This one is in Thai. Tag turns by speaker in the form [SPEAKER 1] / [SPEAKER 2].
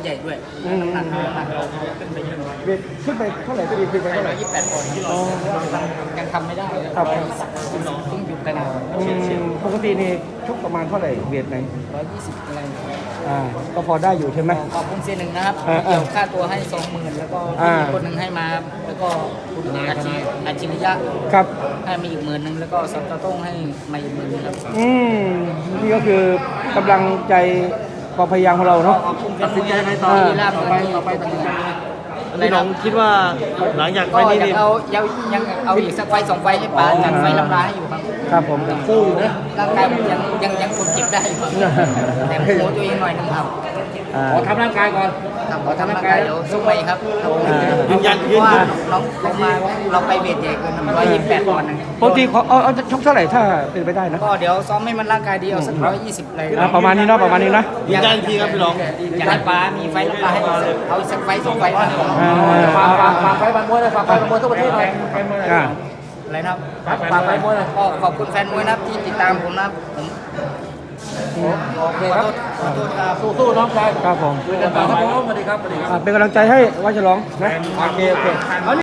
[SPEAKER 1] ใหญ่ด้วยน้ำหนักเราขึ้นไปเยอะ
[SPEAKER 2] เวทขึ้นไปเท่าไหร่ก็ดีขึ้นไปเท่าไหร่
[SPEAKER 1] 128 ปอนด์ยังทำไม่ได้
[SPEAKER 2] ครับ
[SPEAKER 1] เพิ่งหยุดไปนาน
[SPEAKER 2] ปกตินี่ชกประมาณเท่าไหร่เวทไหน
[SPEAKER 1] 120อะไร
[SPEAKER 2] ก็พอได้อยู่ใช่ไหม
[SPEAKER 1] ขอบคุณเซียนหนึ่งนะครับ
[SPEAKER 2] อ่า
[SPEAKER 1] เกี่ยวค่าตัวให้ 20,000แล้วก็
[SPEAKER 2] อ่า
[SPEAKER 1] มีคนหนึ่งให้มาแล้วก็คุณอาชิริยะ
[SPEAKER 2] ครับ
[SPEAKER 1] ให้มาอีก10,000แล้วก็ซัตโต้งให้มาอีก10,000ครับ
[SPEAKER 2] นี่ก็คือกำลังใจความพยายามของเราเนาะ
[SPEAKER 1] ขอบคุณตัดสินใจไปต่อที่ลาบต่อไป
[SPEAKER 3] พี่น้องคิดว่าหลังจากไฟ
[SPEAKER 1] ก็
[SPEAKER 3] นี้
[SPEAKER 1] ยัง
[SPEAKER 3] นี่
[SPEAKER 1] เอายังเอาอีกสักไฟสองไฟให้ป้าจัดไฟลำลาให้อยู่ครับ
[SPEAKER 2] ครับผมสู้อยู่นะ
[SPEAKER 1] ร่างกายผมยังคนเจ็บได้อยู่ครับแต่โม้ตัวเองหน่อยนึงครับ
[SPEAKER 2] ขอทำร่างกายก่อน
[SPEAKER 1] ครับขอทำร่างกายเดี๋ยวสู้ไปครับ
[SPEAKER 3] ยืนยัน
[SPEAKER 1] เพราะว่าเราไปเวทใหญ่เกิน128 ปอนด์นะ
[SPEAKER 2] ปกติเอาชกเท่าไหร่ถ้าเป็นไปได้นะ
[SPEAKER 1] ก็เดี๋ยวซ้อมให้มันร่างกายดีเอาสัก120เลย
[SPEAKER 2] ประมาณนี้เนาะประมาณนี้นะ
[SPEAKER 3] ยืนยันอีกทีครับพี่น้อง
[SPEAKER 1] อยากให้ป้ามีไฟลำลาให้เอาอีกสักไฟสองไฟนะ
[SPEAKER 2] ฝากไฟบันมวยเลยฝากไฟบันมวยทั่วประเทศเลย
[SPEAKER 1] อะไรนะครับฝากไฟมวยเลยก็ขอบคุณแฟนมวยนะครับที่ติดตามผมนะครับผมโอเคครับขอโทษครับ
[SPEAKER 2] สู้ๆน้องชายครับผม
[SPEAKER 1] สวัสดีครับ
[SPEAKER 2] เป็นกำลังใจให้วัชรองนะโอเค